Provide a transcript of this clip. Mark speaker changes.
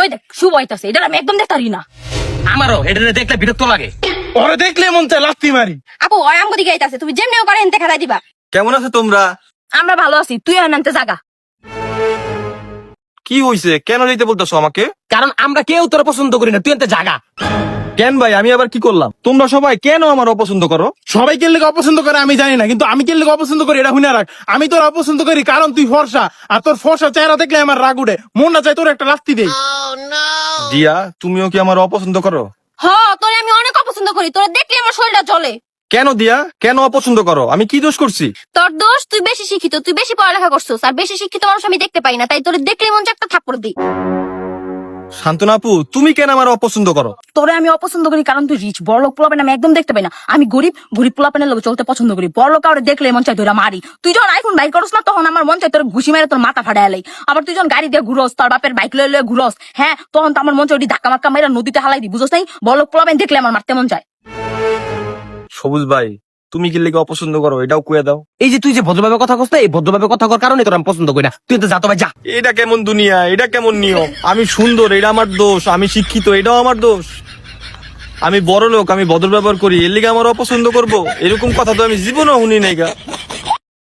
Speaker 1: ওই দেখ শুভ হইতাছে, এটা আমি একদম দেখতে পারি না।
Speaker 2: আমারও এটা দেখলে বিরক্ত লাগে।
Speaker 3: ওরে দেখলে মন চায় লাত্তি মারি।
Speaker 1: আপু ওই আমগো দিকে আইতাছে, তুমি যেমনি করে এনতে খেলাই দিবা।
Speaker 4: কেমন আছো তোমরা?
Speaker 1: আমরা ভালো আছি, তুই আনতে জাগা।
Speaker 4: কি হইছে, কেন যেতে বলতেছো আমাকে?
Speaker 2: কারণ আমরা কেউ তোর পছন্দ করি না, তুই এনতে জাগা।
Speaker 4: কেন ভাই, আমি আবার কি করলাম? তোমরা সবাই কেন আমার অপছন্দ করো?
Speaker 3: সবাই কে লেগে অপছন্দ করে আমি জানি না, কিন্তু আমি কে লেগে অপছন্দ করি এটা শুনে রাখ। আমি তোর অপছন্দ করি কারণ তুই ফর্সা, আর তোর ফর্সা চেহারা দেখলে আমার রাগ উঠে, মন না চাই তোর একটা লাত্তি দেই।
Speaker 4: দিয়া, তুমিও কি আমার অপছন্দ করো?
Speaker 1: হ তোরে আমি অনেক অপছন্দ করি, তোরে দেখলে আমার শরীরটা জ্বলে।
Speaker 4: কেন দিয়া, কেন অপছন্দ করো? আমি কি দোষ করছি?
Speaker 1: তোর দোষ, তুই বেশি শিক্ষিত, তুই বেশি পড়ালেখা করছিস, আর বেশি শিক্ষিত মানুষ আমি দেখতে পাই না, তাই তোরে দেখলে মন চায় একটা থাপ্পড় দিই।
Speaker 4: শান্তনা আপু, তুমি কেন আমার অপছন্দ করো?
Speaker 1: তোরে আমি অপছন্দ করি কারণ তুই রিচ, বড় লোক পোলাপেন আমি একদম দেখতে পাই না। আমি গরিব, গরিব পোলাপেনের লোক চলতে পছন্দ করি। বড় লোক কাউরে দেখলে মন চাই ধরে মারি। তুই যখন আইফোন বাইক করস না, তখন আমার মন চাই তোর ঘুষি মেরে তোর মাথা ফাটাই লাই। আবার তুই যখন গাড়ি দিয়ে ঘুরস, তোর বাপের বাইক লয়ে ঘুরস, হ্যাঁ, তখন তো আমার মন চাই ধাক্কা মাক্কা মেরে নদীতে হালাই দি, বুঝছ নাই? বড় লোক পোলাপেন দেখলে আমার মারতে মন চায়।
Speaker 4: সবুজ ভাই, তুমি কি লেগে অপছন্দ করো এটাও কয়ে দাও।
Speaker 2: এই যে তুই যে ভদ্রভাবে কথা কস, এই ভদ্রভাবে কথা কর কারণে তোর আমি পছন্দ করি না, তুই এনতে যা তো ভাই যা।
Speaker 4: এটা কেমন দুনিয়া, এটা কেমন নিয়ম? আমি সুন্দর, এটা আমার দোষ। আমি শিক্ষিত, এটাও আমার দোষ। আমি বড় লোক, আমি ভদ্র ব্যবহার করি, এর লিগে আমার অপছন্দ করবো? এরকম কথা তো আমি জীবনেও শুনি নাই গা।